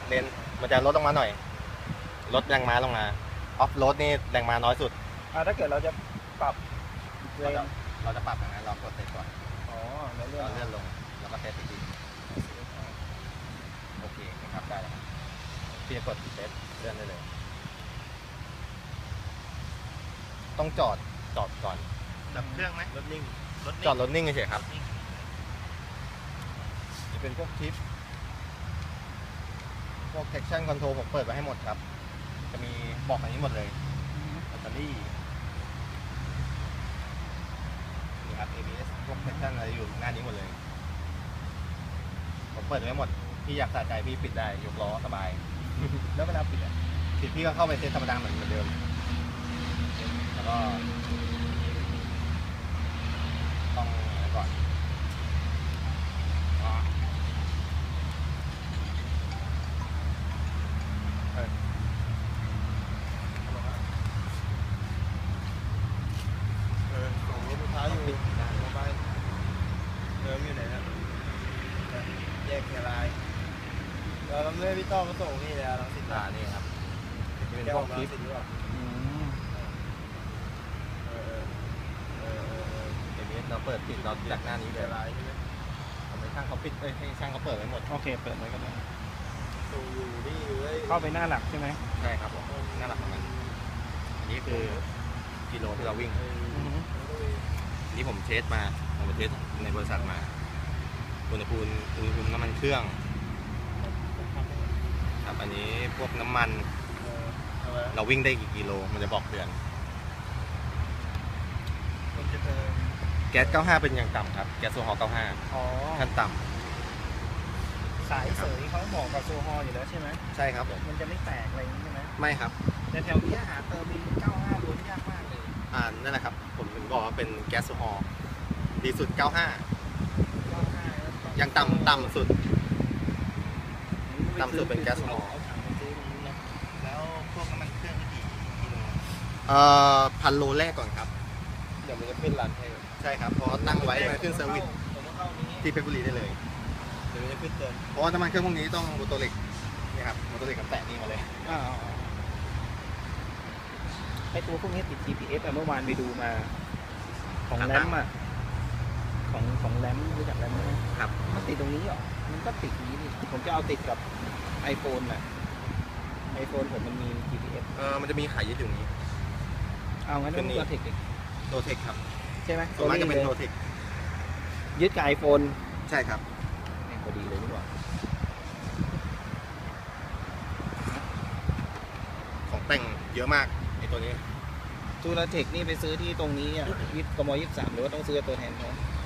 เลนมันจะลดลงมาหน่อยลดแรงม้าลงมาออฟโรดนี่แรงม้าน้อยสุดถ้าเกิดเราจะปรับเลนเราจะปรับอย่างนั้นเรากดเซตก่อนอ๋อแล้วเลื่อนลงแล้วก็เซตอีกทีโอเคนะครับได้แล้วพี่จะกดเซตเลื่อนได้เลยต้องจอดก่อนดับเครื่องไหมรถนิ่งจอดรถนิ่งเฉยครับจะเป็นพวกทิปพวก traction control ผมเปิดไว้ให้หมดครับจะมีบอกอันนี้หมดเลยแบตเตอรี่นี่ครับ ABS พวก traction อะไรอยู่หน้านี้หมดเลยผมเปิดไว้หมดพี่อยากสะใจพี่ปิดได้ยกล้อสบายแล้วเวลาปิดพี่ก็เข้าไปเซตธรรมดาเหมือนเดิมแล้วก็ต้องก่อนส่งรถลูกค้าอยู่โมบายอยู่ไหนนะแยกเชียงรายเราทำเรื่องพี่ต้อมาส่งนี่เลยลังสิตนี่ครับเป็นพวกคลิปเเราเปิดปิดเราจากหน้านี้เลยทำไมช่างเขาปิดให้ช่างเขาเปิดไว้หมดโอเคเปิดไว้ก็ได้ส่งอยู่นี่เลยเข้าไปหน้าหลักใช่ไหมใช่ครับผมหน้าหลักของมันอันนี้คือกิโลที่เราวิ่งนี่ผมเทสมาผมไปเทสในบริษัทมาอุณหภูมิน้ำมันเครื่องครับอันนี้พวกน้ำมันเราวิ่งได้กี่กิโลมันจะบอกเตือนแก๊ส95เป็นอย่างต่ำครับแก๊สโซฮอล์95ขั้นต่ำสายเสยเขาเหมาะกับโซฮอล์อยู่แล้วใช่ไหมใช่ครับมันจะไม่แตกอะไรอย่างนี้ใช่ไหมไม่ครับแต่แถวนี้หาเติมมี95ล้วนยากมากเลยนั่นแหละครับผมถึงบอกว่าเป็นแก๊สโซฮอล์ดีสุด95ยังต่ำสุดเป็นแก๊สโซฮอล์แล้วพวกน้ำมันเครื่องกี่กิโล 1,000 โลแรกก่อนครับเดี๋ยวมันจะขึ้นรันให้ใช่ครับพอตั้งไว้มันขึ้นเซอร์วิสที่เพชรบุรีได้เลยเดี๋ยวมันจะขึ้นเตือนเพราะว่าน้ำมันเครื่องพวกนี้ต้องโมโตเล็กนี่ครับโมโตเล็กกับแตะนี่มาเลยไอตัวพวกนี้ติด GPS เมื่อวานไปดูมาของแรมของแรมรู้จักแรมไหมครับมันติดตรงนี้เหรอมันก็ติดนี้นี่ผมจะเอาติดกับ iPhone น่ะ iPhone ผมมันมี GPS มันจะมีขายยึดอยู่นี้เอางั้นต้องตัวเทคโนเทคครับใช่ไหมส่วนมากจะเป็นโนเทคยึดกับ iPhone ใช่ครับพอดีเลยนี่หว่าของแต่งเยอะมากไอตัวนี้ทูราเทคนี่ไปซื้อที่ตรงนี้วิทย์กม.23หรือว่าต้องซื้อตัวแทนเขา